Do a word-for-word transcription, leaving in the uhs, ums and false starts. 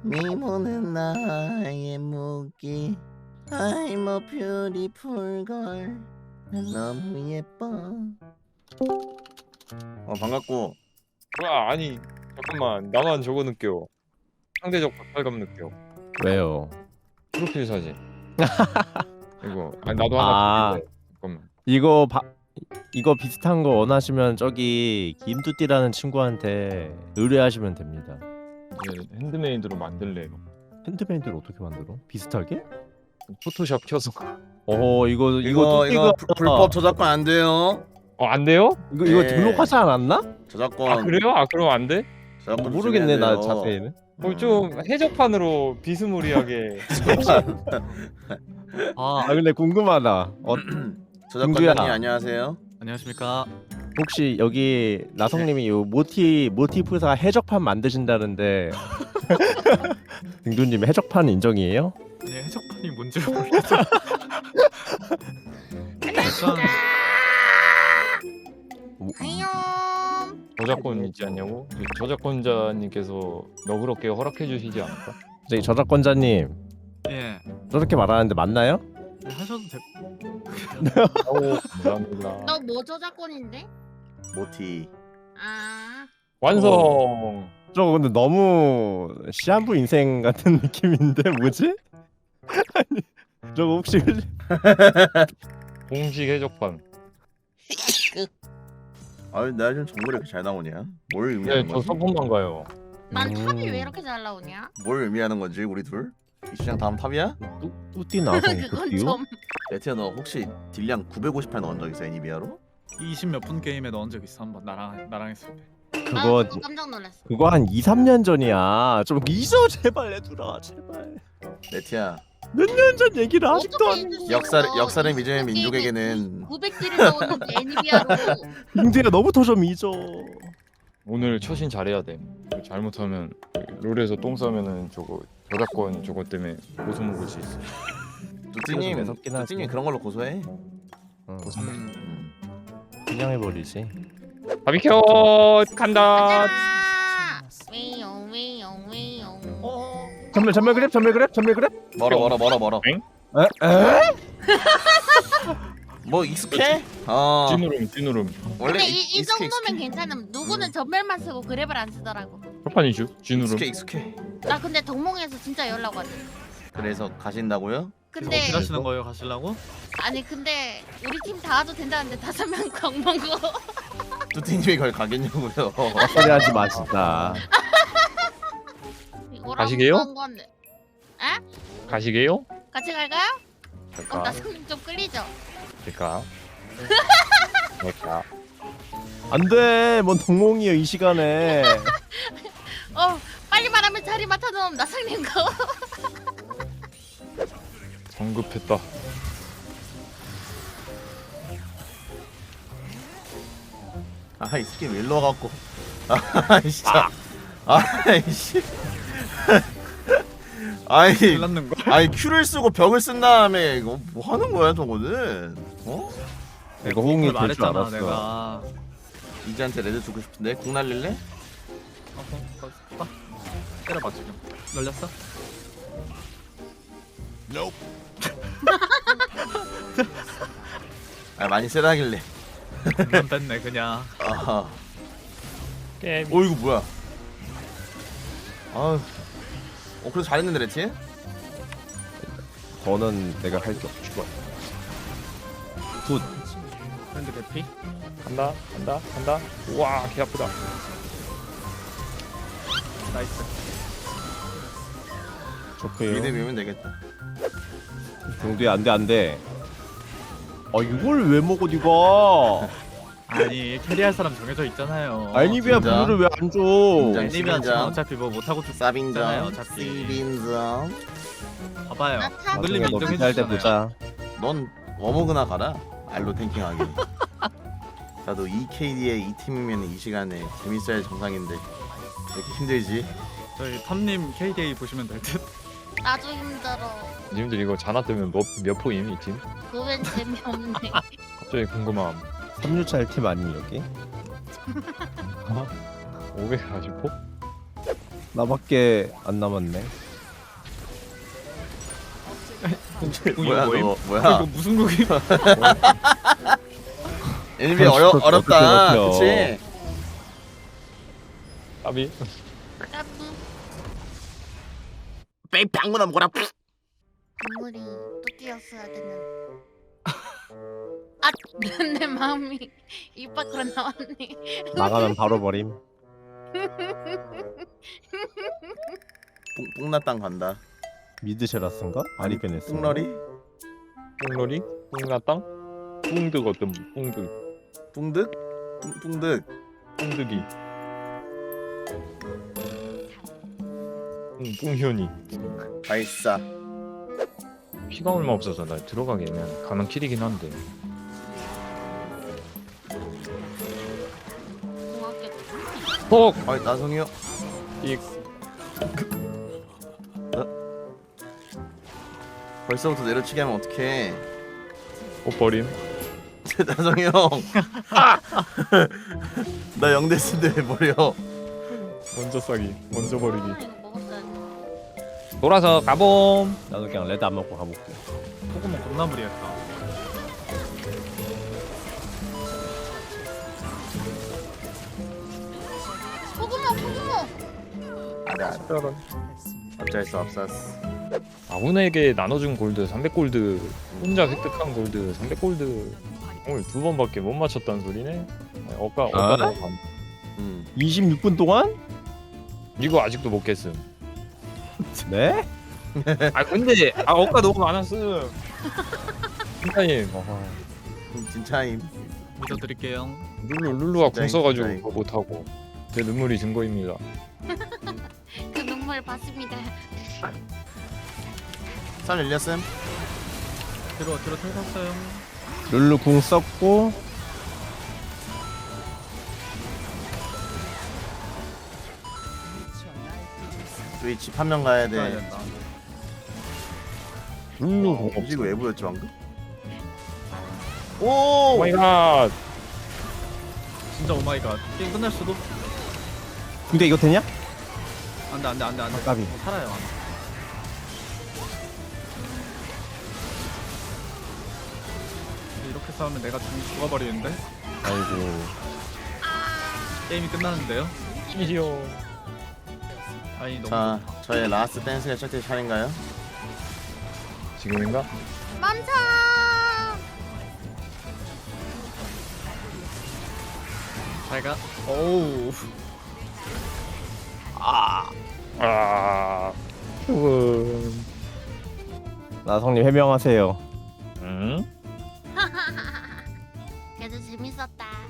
미모는 나의 무기. I'm a beautiful girl. 난 너무 예뻐. 어 반갑고. 뭐야 아니 잠깐만 나만 저거 느껴. 상대적 박탈감 느껴. 왜요? 프로필 사진. 이거 아니 나도 아. 하나 찍을래. 잠깐만. 이거 바, 이거 비슷한 거 원하시면 저기 김뚜띠라는 친구한테 의뢰하시면 됩니다. 이제 핸드메이드로 만들래요. 핸드메이드를 어떻게 만들어? 비슷하게? 포토샵 켜서. 어 이거 이거 이거 뚜띠가 이거 불- 불법 저작권 안 돼요. 어 안 돼요? 이거 이거 네. 등록하지 않았나? 저작권. 아 그래요? 아 그럼 안 돼? 저작권 모르겠네 나 조심해야 돼요. 자세히는. 어, 좀 해적판으로 비스무리하게. 아, 아 근데 궁금하다. 어, 저작권자님 김구야. 안녕하세요. 안녕하십니까. 혹시 여기 나성님이 요 모티 모티프사 해적판 만드신다는데 등두님 해적판 인정이에요? 아니 해적판이 뭔지 모르겠어. 약간 안녕. 저작권 있지 않냐고? 저작권자님께서 너그럽게 허락해 주시지 않을까? 저기 저작권자님 예 저렇게 말하는데 맞나요? 네, 하셔도 돼. 오 감사합니다. 너 뭐 저작권인데? 모티. 아, 완성. 저 근데 너무 시한부 인생 같은 느낌인데 뭐지? 아니 저거 혹시 공식 해적판. 아유 나 요즘 정글이 이렇게 잘 나오냐? 뭘 네, 의미하는 저 거지? 서폰만 가요. 난 음. 탑이 왜 이렇게 잘 나오냐? 뭘 의미하는 건지 우리 둘? 이 시장 다음 탑이야? 뚜, 뚜띠 나성 그건 뚜띠요? 좀. 레티야 너 혹시 딜량 구백오십팔 넣은 적 있어 애니비아로? 이십 몇 분 게임에 넣은 적 있어 한번 나랑 나랑 했을 때. 그거 아, 깜짝 놀랐어. 그거 한 이, 삼 년 전이야. 좀 잊어 제발 얘들아 제발. 레티야 몇 년 전 얘기를 아직도 어떻게 안. 잊을 수 역사 있어? 역사를 이십 믿으면 분 민족에게는 구백 딜을 넣었는데 애니비아로. 인재가 너부터 좀 잊어. 오늘 처신 잘해야 돼. 잘못하면 롤에서 똥 싸면은 저거 저작권 저거 때문에 고소 먹을 수 있어. 뚜띠님 매섭긴 하지. 뚜띠님 그런 걸로 고소해. 응, 음. 그냥 해버리지. 바비큐 간다. 가자. 웨용 웨용 웨용. 전멸 전멸 그랩 전멸 그랩 전멸 그랩. 멀어 멀어 멀어 멀어. 엥? 에? 에? 뭐 익숙해? 어 찐우름 찐우름. 원래 근데 익- 이, 이 익숙해, 정도면 익숙해. 괜찮음. 누구는 전멸만 쓰고 그랩을 안 쓰더라고. 첫판이죠 찐우름. 익숙해 익숙해. 나 근데 동몽에서 진짜 연락 왔어. 그래서 가신다고요? 근데 어떻게 하시는 거예요? 가시려고? 아니 근데 우리 팀 다 와도 된다는데 다섯 명 광먹고. 뚜띠님이 그걸 가겠냐고요? 소리 하지 마 진짜. 가시게요? 건데. 가시게요? 같이 갈까요? 어, 될까? 나 손님 좀 끌리죠? 될까? 될까? 안돼. 뭔 동몽이요 이 시간에. 어 빨리 말하면 자리 맡아놓으면 나상님 거. 성급했다. 아이 새끼 왜 일로 와갖고 아 진짜 아이씨 아이 일났는 거? 아니 큐를 쓰고 벽을 쓴 다음에 이거 뭐 하는 거야 저거는 어? 내가 호응이 될 줄 말했잖아 알았어. 내가. 이지한테 레드 주고 싶은데 공 날릴래? 어, 어, 어, 봐. 때려봐 지금. 널렸어? 아 많이 세다길래 그냥 뺐네 그냥. 아하 게임. 어 이거 뭐야 아어 그래도 잘했는데 레티? 더는 내가 할 게 없지. 굿. 프렌드 대피. 간다 간다 간다. 우와 개 아프다. 나이스. 좋고요. 미드 밀면 되겠다 동두야 안돼 안돼. 아 이걸 왜 먹어 니가? 아니 캐리할 사람 정해져 있잖아요. 알니비아 진짜? 블루를 왜 안 줘? 진짜? 애니비아 지금 시민장. 어차피 뭐 못하고 있잖아요 사빈점 어차피. 시빈점 봐봐요. 나 탑. 흔들림 나중에 너 인정해 비쌀 때 주잖아요. 보자. 넌 어머그나 가라 알로 탱킹하게 나도 이케이디의 이 팀이면 이 시간에 재밌어야 정상인데 왜 이렇게 힘들지? 저희 탐님 케이디에이 보시면 될 듯. 나도 힘들어. 님들 이거 자나 때문에 몇, 몇 포임 이 팀? 그웬 재미없네. 갑자기 궁금함. 삼 류차 일 팀 아니 여기? 오백사십 포? 나밖에 안 남았네. 궁이 뭐야 뭐임? 너 어, 뭐야? 이거 무슨 궁임? 엘비 어려 어떻게 어렵다. 버텨. 그치? 까비. 까부. 빼 방구나 뭐라. 눈물이 또 띄었어야 되는. 아, 내 마음이 입 밖으로 나왔네. 나가면 바로 버림. 뽕나땅 간다. 미드쉐라스인가? 아리페네스. 뿡러리? 뿡러리? 뿡나땅? 뿡득 어떤 뿡득? 뿡득? 뿡 뿡득. 뿡득이. 뿡 뿡현이. 발사. 피가 얼마 없어서 나 들어가기는 가면 킬이긴 한데. 고맙게. 헉! 아이 나성이요. 이 벌써부터 내려치게 하면 어떡해. 옷버림. 나성이 형. 나 영대스인데 왜 버려? 먼저 싸기. 먼저 버리기. 아, 이거 먹었어야 돼. 돌아서 가봄. 나도 그냥 레드 안 먹고 가볼게. 포그몬 겁나 무리했다. 포그모 포그모. 알아 알아. 어쩔 수 없었어. 아군에게 나눠준 골드 삼백 골드, 혼자 획득한 골드 삼백 골드. 오늘 두 번밖에 못 맞췄다는 소리네. 어까 어까 아? 나 음. 이십육 분 동안? 이거 아직도 못 깼음. 네? 아 근데 아 어까 너무 많았음. 진짜임. 음, 진짜임. 믿어드릴게요. 룰루 룰루가 궁 진짜임, 써가지고 진짜임. 그거 못 하고 제 눈물이 증거입니다. 그 눈물 봤습니다. 살 열렸음. 뒤로 뒤로 털었어요. 룰루 궁 썼고 우리 집 한 명 가야 가야 돼. 된다. 룰루 어, 궁 없어. 음식 왜 보였지 방금? 오! 오 마이 갓. 진짜 오마이갓. 게임 끝날 수도. 근데 이거 되냐? 안돼 안돼 안돼 안돼. 까비. 어, 살아요. 이렇게 싸우면 내가 죽, 죽어버리는데 아이고. 게임이 끝나는데요. 이시오. 아니 너무 자, 저의 라스트 댄스가 시작될 차례인가요? 지금인가? 멈춰. 잘가. 오우. 아. 조금. 나성님 해명하세요. 응? 그래도 재밌었다.